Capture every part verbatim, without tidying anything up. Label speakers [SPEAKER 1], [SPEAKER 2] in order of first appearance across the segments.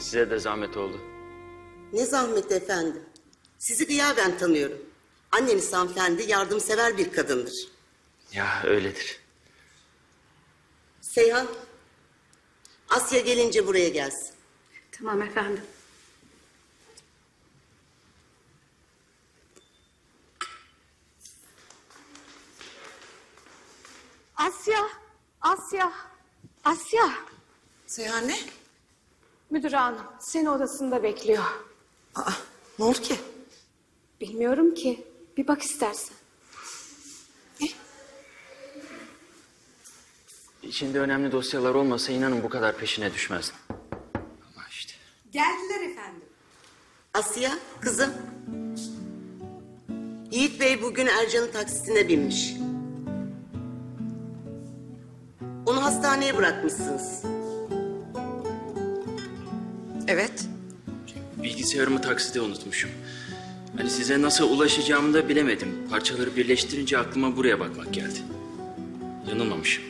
[SPEAKER 1] Size de zahmet oldu.
[SPEAKER 2] Ne zahmet efendim. Sizi gıyaben tanıyorum. Anneniz hanımefendi yardımsever bir kadındır.
[SPEAKER 1] Ya öyledir.
[SPEAKER 2] Seyhan, Asya gelince buraya gelsin.
[SPEAKER 3] Tamam efendim. Asya, Asya, Asya.
[SPEAKER 4] Seyhan ne?
[SPEAKER 3] Müdür hanım seni odasında bekliyor.
[SPEAKER 4] Aa, ne oldu ki?
[SPEAKER 3] Bilmiyorum ki. Bir bak istersen.
[SPEAKER 1] İçinde önemli dosyalar olmasa inanın bu kadar peşine düşmezdim. Ama işte.
[SPEAKER 4] Geldiler efendim.
[SPEAKER 2] Asya, kızım. Yiğit Bey bugün Ercan'ın taksisine binmiş. Onu hastaneye bırakmışsınız.
[SPEAKER 4] Evet.
[SPEAKER 1] Bilgisayarımı takside unutmuşum. Hani size nasıl ulaşacağımı da bilemedim. Parçaları birleştirince aklıma buraya bakmak geldi. Yanılmamışım.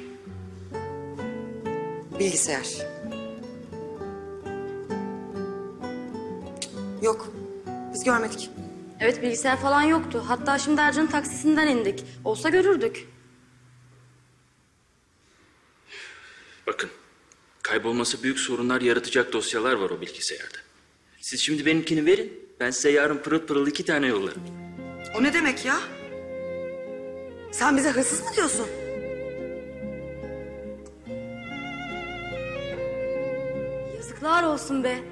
[SPEAKER 4] Bilgisayar. Yok. Biz görmedik.
[SPEAKER 5] Evet bilgisayar falan yoktu. Hatta şimdi Ercan'ın taksisinden indik. Olsa görürdük.
[SPEAKER 1] Bakın, kaybolması büyük sorunlar yaratacak dosyalar var o bilgisayarda. Siz şimdi benimkini verin, ben size yarın pırıl pırıl iki tane yollarım.
[SPEAKER 4] O ne demek ya? Sen bize hırsız mı diyorsun?
[SPEAKER 5] Yazıklar olsun be.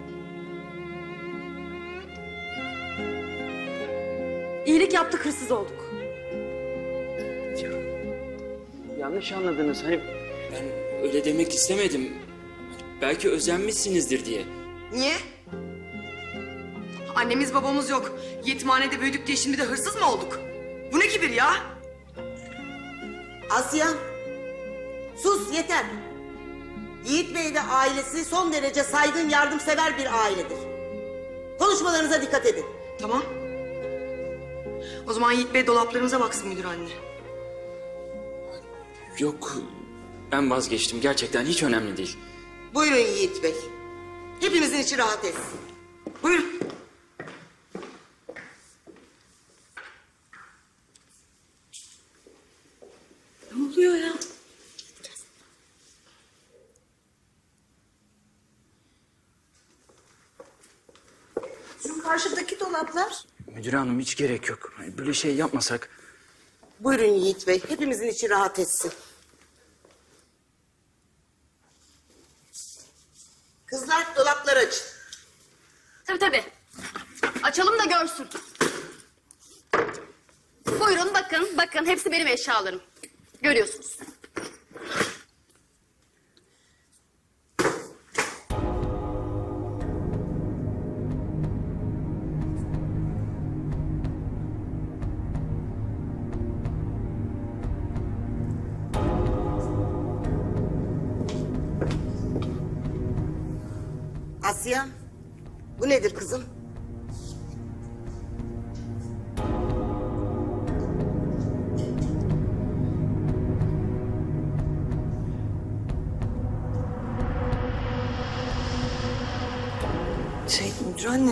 [SPEAKER 5] İyilik yaptık, hırsız olduk.
[SPEAKER 1] Ya, yanlış anladınız. Hani ben öyle demek istemedim. Belki özenmişsinizdir diye.
[SPEAKER 4] Niye? Annemiz babamız yok. Yetimhanede büyüdük diye şimdi de hırsız mı olduk? Bu ne kibir ya?
[SPEAKER 2] Asya, sus yeter. Yiğit Bey ve ailesi son derece saygın, yardımsever bir ailedir. Konuşmalarınıza dikkat edin.
[SPEAKER 4] Tamam. O zaman Yiğit Bey dolaplarımıza baksın müdür anne.
[SPEAKER 1] Yok, ben vazgeçtim. Gerçekten hiç önemli değil.
[SPEAKER 2] Buyurun Yiğit Bey. Hepimizin içi rahat etsin.
[SPEAKER 4] Buyurun.
[SPEAKER 3] Ne oluyor ya? Şu karşıdaki dolaplar.
[SPEAKER 1] Müdür hanım hiç gerek yok. Hani böyle şey yapmasak.
[SPEAKER 2] Buyurun Yiğit Bey. Hepimizin içi rahat etsin. Kızlar dolapları açın.
[SPEAKER 5] Tabii tabii. Açalım da görsün. Buyurun bakın, bakın hepsi benim eşyalarım. Görüyorsunuz.
[SPEAKER 2] Asya, bu nedir kızım?
[SPEAKER 4] Şey müdür anne...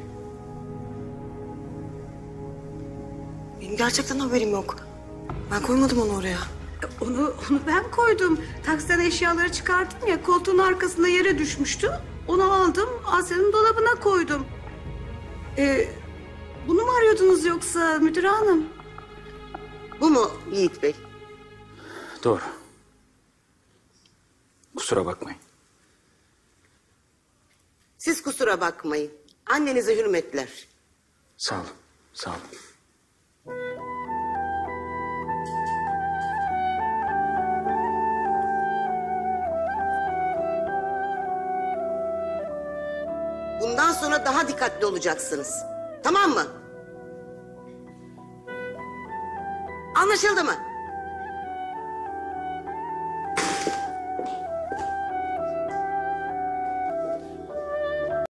[SPEAKER 4] Benim gerçekten haberim yok. Ben koymadım onu oraya.
[SPEAKER 3] Onu, onu ben koydum. Taksiden eşyaları çıkarttım ya, koltuğun arkasında yere düşmüştü. Onu aldım, Asya'nın dolabına koydum. Ee, bunu mu arıyordunuz yoksa müdür hanım?
[SPEAKER 2] Bu mu Yiğit Bey?
[SPEAKER 1] Doğru. Kusura bakmayın.
[SPEAKER 2] Siz kusura bakmayın. Annenize hürmetler.
[SPEAKER 1] Sağ olun, sağ olun.
[SPEAKER 2] Bundan sonra daha dikkatli olacaksınız. Tamam mı? Anlaşıldı mı?